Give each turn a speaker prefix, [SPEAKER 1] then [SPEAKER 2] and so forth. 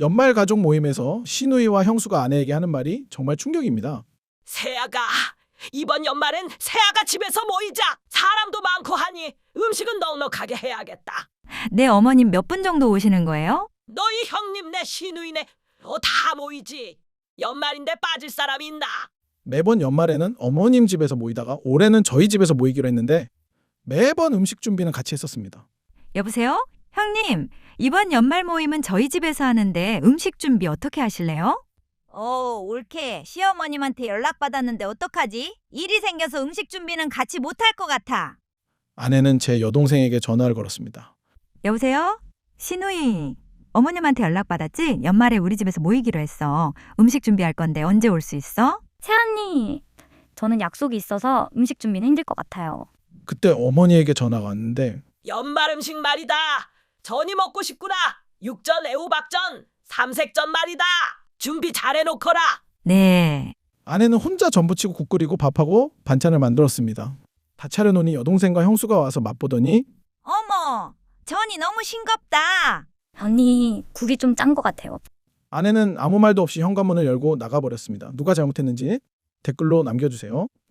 [SPEAKER 1] 연말 가족 모임에서 시누이와 형수가 아내에게 하는 말이 정말 충격입니다.
[SPEAKER 2] 세아가, 이번 연말엔 세아가 집에서 모이자. 사람도 많고 하니 음식은 넉넉하게 해야겠다.
[SPEAKER 3] 네, 어머님 몇 분 정도 오시는 거예요?
[SPEAKER 2] 너희 형님네 시누이네 다 모이지. 연말인데 빠질 사람이 있나?
[SPEAKER 1] 매번 연말에는 어머님 집에서 모이다가 올해는 저희 집에서 모이기로 했는데 매번 음식 준비는 같이 했었습니다.
[SPEAKER 3] 여보세요? 형님, 이번 연말 모임은 저희 집에서 하는데 음식 준비 어떻게 하실래요? 올케. 시어머님한테 연락받았는데 어떡하지? 일이 생겨서 음식 준비는 같이 못할 것 같아.
[SPEAKER 1] 아내는 제 여동생에게 전화를 걸었습니다.
[SPEAKER 3] 여보세요? 신우이. 어머님한테 연락받았지? 연말에 우리 집에서 모이기로 했어. 음식 준비할 건데 언제 올 수 있어?
[SPEAKER 4] 채언니, 저는 약속이 있어서 음식 준비는 힘들 것 같아요.
[SPEAKER 1] 그때 어머니에게 전화가 왔는데
[SPEAKER 2] 연말 음식 말이다. 전이 먹고 싶구나. 육전, 애호박전, 삼색전 말이다. 준비 잘해놓거라.
[SPEAKER 3] 네.
[SPEAKER 1] 아내는 혼자 전부치고 국 끓이고 밥하고 반찬을 만들었습니다. 다 차려놓으니 여동생과 형수가 와서 맛보더니
[SPEAKER 3] 어머, 전이 너무 싱겁다.
[SPEAKER 4] 언니, 국이 좀 짠 것 같아요.
[SPEAKER 1] 아내는 아무 말도 없이 현관문을 열고 나가버렸습니다. 누가 잘못했는지 댓글로 남겨주세요.